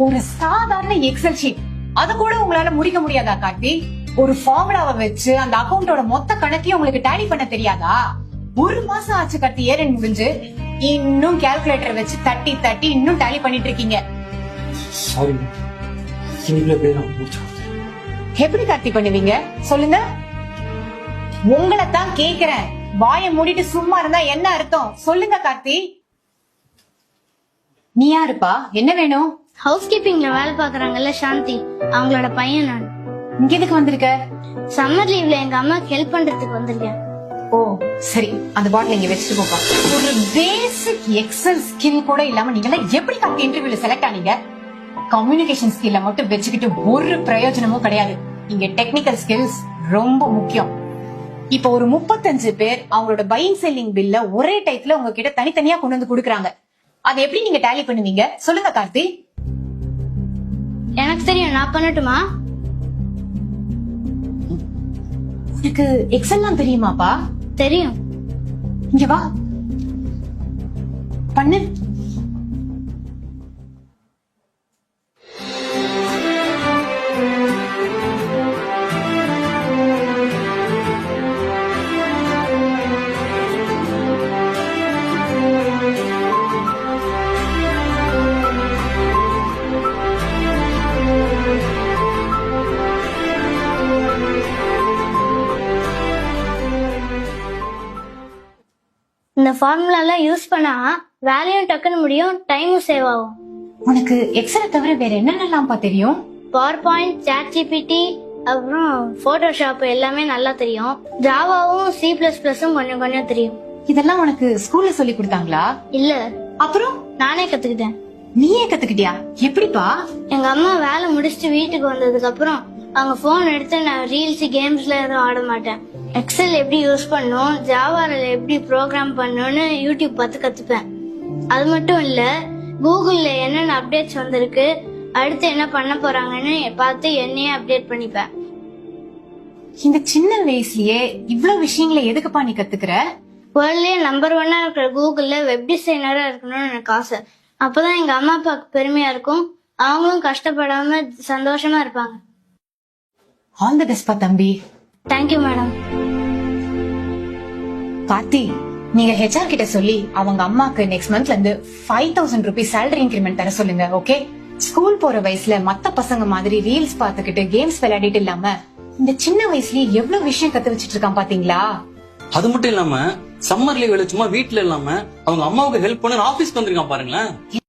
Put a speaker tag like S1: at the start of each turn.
S1: ஒரு சாதாரண Excel sheet அது கூட உங்களால முடிக்க முடியாதா கார்த்தி? ஒரு ஃபார்முலாவை வச்சு அந்த அக்கௌண்டோட மொத்த கணக்கையும் உங்களுக்கு டேலி பண்ண தெரியாதா? ஒரு மாசம் ஆச்சு கார்த்தி ஏறன் முடிஞ்சு, இன்னும் கால்குலேட்டர் வச்சு தட்டி தட்டி இன்னும் டேலி பண்ணிட்டு இருக்கீங்க.
S2: சாரி,
S1: எப்படி கார்த்தி பண்ணுவீங்க சொல்லுங்க? உங்களை தான் கேக்குறேன். வாயை மூடிட்டு சும்மா இருந்தா என்ன அர்த்தம் சொல்லுங்க கார்த்தி. நீ யாருப்பா? என்ன வேணும்?
S3: ஹவுஸ் கீப்பிங்ல வேலை பாக்குறாங்கல்ல சாந்தி, அவங்களோட பையன் நான்.
S1: இங்க எதுக்கு வந்திருக்க?
S3: சம்மர் லீவ்ல எங்க அம்மாக்கு ஹெல்ப் பண்றதுக்கு வந்திருக்கேன்.
S1: ஓ சரி, அந்த பாட்டில் இங்க வச்சுட்டு போப்பா. ஒரு பேசிக் எக்ஸல் ஸ்கில் கூட இல்லாம நீங்க எப்படி கார்த்தி இன்டர்வியூல செலக்ட் ஆனீங்க? கம்யூனிகேஷன் ஸ்கில்ல மட்டும் வச்சுக்கிட்டு ஒரு பிரயோஜனமும் கிடையாது. இங்க டெக்னிக்கல் ஸ்கில்ஸ் ரொம்ப முக்கியம். இப்ப ஒரு 35 பேர் அவங்களோட பையிங் செல்லிங் பில்ல ஒரே டைப்ல உங்ககிட்ட தனித்தனியா கொண்டு வந்து குடுக்குறாங்க. அதை எப்படி நீங்க டேலி பண்ணுவீங்க சொல்லுங்க கார்த்தி?
S3: எனக்கு தெரியும், நான் பண்ணட்டுமா?
S1: உனக்கு எக்ஸல்லாம் தெரியுமாப்பா?
S3: தெரியும்.
S1: இங்க வா, பண்ணு.
S3: இந்த ஃபார்முலா எல்லாம் யூஸ் பண்ணா வேலையும் டக்குன்னு முடியும், டைமும் சேவ் ஆகும்.
S1: உனக்கு எக்ஸலை தவிர வேற என்னென்னலாம்ப்பா தெரியும்?
S3: பவர் பாயிண்ட், சாட் ஜிபிடி, அப்புறம் போட்டோஷாப் எல்லாமே நல்லா தெரியும். ஜாவாவும் C++ம் கொஞ்சம் கொஞ்சம் தெரியும்.
S1: இதெல்லாம் உனக்கு ஸ்கூல்ல சொல்லி கொடுத்தாங்களா?
S3: இல்ல,
S1: அப்புறம்
S3: நானே கத்துக்கிட்டேன்.
S1: நீயே கத்துக்கிட்டியா? எப்படிப்பா?
S3: எங்க அம்மா வேலை முடிச்சுட்டு வீட்டுக்கு வந்ததுக்கு அப்புறம் அவங்க போன் எடுத்து நான் ரீல்ஸ், கேம்ஸ்ல எதுவும் ஆட மாட்டேன். எக்ஸல் எப்படி யூஸ் பண்ணும், ஜாவால எப்படி ப்ரோக்ராம் பண்ணணும்னு யூடியூப் பார்த்து கத்துப்பேன். அது மட்டும் இல்ல, கூகுள்ல என்னென்ன அப்டேட்ஸ் வந்திருக்கு, அடுத்து என்ன பண்ண போறாங்கன்னு பார்த்து என்னையே அப்டேட் பண்ணிப்பேன்.
S1: இந்த சின்ன வயசுலயே இவ்வளவு விஷயங்களை எதுக்குப்பா நீ கத்துக்கிற?
S3: வேர்ல்ட்லயே நம்பர் 1 இருக்கிற கூகுள்ல வெப் டிசைனரா இருக்கணும்னு எனக்கு ஆசை. அப்பதான் எங்க அம்மா அப்பாவுக்கு பெருமையா இருக்கும், அவங்களும் கஷ்டப்படாம சந்தோஷமா இருப்பாங்க.
S1: ஆல் தி பெஸ்ட் பா தம்பி.
S3: Thank you madam.
S1: கார்த்தி, நீங்க HR கிட்ட சொல்லி அவங்க அம்மாக்கு நெக்ஸ்ட் மந்த்ல இருந்து 5000 ரூபீஸ் சேலரி இன்கிரிமெண்ட் தர சொல்லுங்க. ஓகே? ஸ்கூல் போற வயசுல மத்த பசங்க மாதிரி ரீல்ஸ் பாத்துக்கிட்டு கேம்ஸ் விளையாடிட்டு இல்லாம இந்த சின்ன வயசுலயே எவ்வளவு விஷயம் கத்து வச்சிட்டு இருக்கான் பாத்தீங்களா?
S2: அது மட்டும் இல்லாம சம்மர் லீவ்ல சும்மா வீட்டுல இல்லாம அவங்க அம்மாவுக்கு ஹெல்ப் பண்ண ஆபீஸ்க்கு வந்திருக்கான் பாருங்களேன்.